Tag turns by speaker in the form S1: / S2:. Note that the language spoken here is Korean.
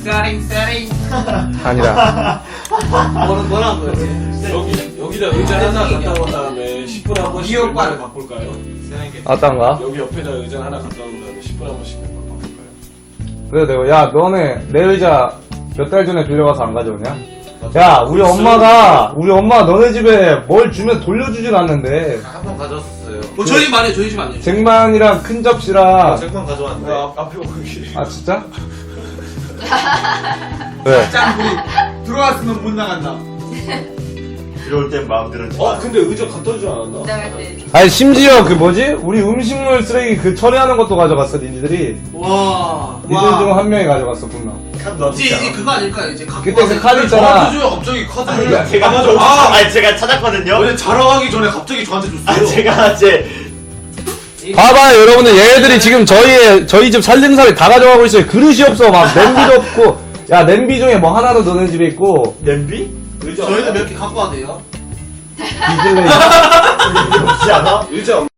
S1: 세링.
S2: 아니라.
S1: 뭐라는 거였지?
S3: 여기다 의자 하나 갖다 놓은 다음에 10분에 한 번씩
S1: 기억과를
S3: 바꿀까요?
S2: 어떤가?
S3: 여기 옆에다 의자 하나 갖다 놓은 다음에 10분에 한 번씩 바꿀까요?
S2: 그래, 내가, 야, 너네, 내 의자 몇 달 전에 빌려가서 안 가져오냐? 야, 우리 엄마가 너네 집에 뭘 주면 돌려주진 않는데.
S4: 한 번 가져왔었어요.
S1: 뭐 저희 집 아니에요, 저희 집 아니에요.
S2: 쟁반이랑 큰 접시랑.
S4: 쟁반 가져왔는데.
S3: 앞에 오기.
S2: 아, 진짜? 왜?
S1: 짱 우리 들어왔으면 못 나간다.
S4: 들어올 땐 마음대로.
S3: 근데 의자 갖다 주지 않았나?
S5: 나갈 때.
S2: 아니, 심지어 그 뭐지? 우리 음식물 쓰레기 그 처리하는 것도 가져갔어, 니들이.
S1: 와.
S2: 니들 중 한 명이 가져갔어, 분명.
S1: 이제 그거 아닐까요? 이제 갖고
S2: 그때 그
S1: 와서
S2: 카드 있잖아.
S1: 줘요, 갑자기 카드를.
S2: 그러니까
S4: 제가 가져왔어. 아니, 제가 찾았거든요.
S1: 원래 자랑하기 전에 갑자기 저한테 줬어요.
S4: 아, 제가 이제.
S2: 봐봐요, 여러분들. 얘네들이 지금 저희 집 살림살이 다 가져가고 있어요. 그릇이 없어. 막 냄비도 없고. 야, 냄비 중에 뭐 하나도 너네 집에 있고.
S4: 냄비?
S1: 저희도 몇 개 갖고 와도 돼요?
S2: 디즐레이.
S4: 없지 않아?
S3: 의자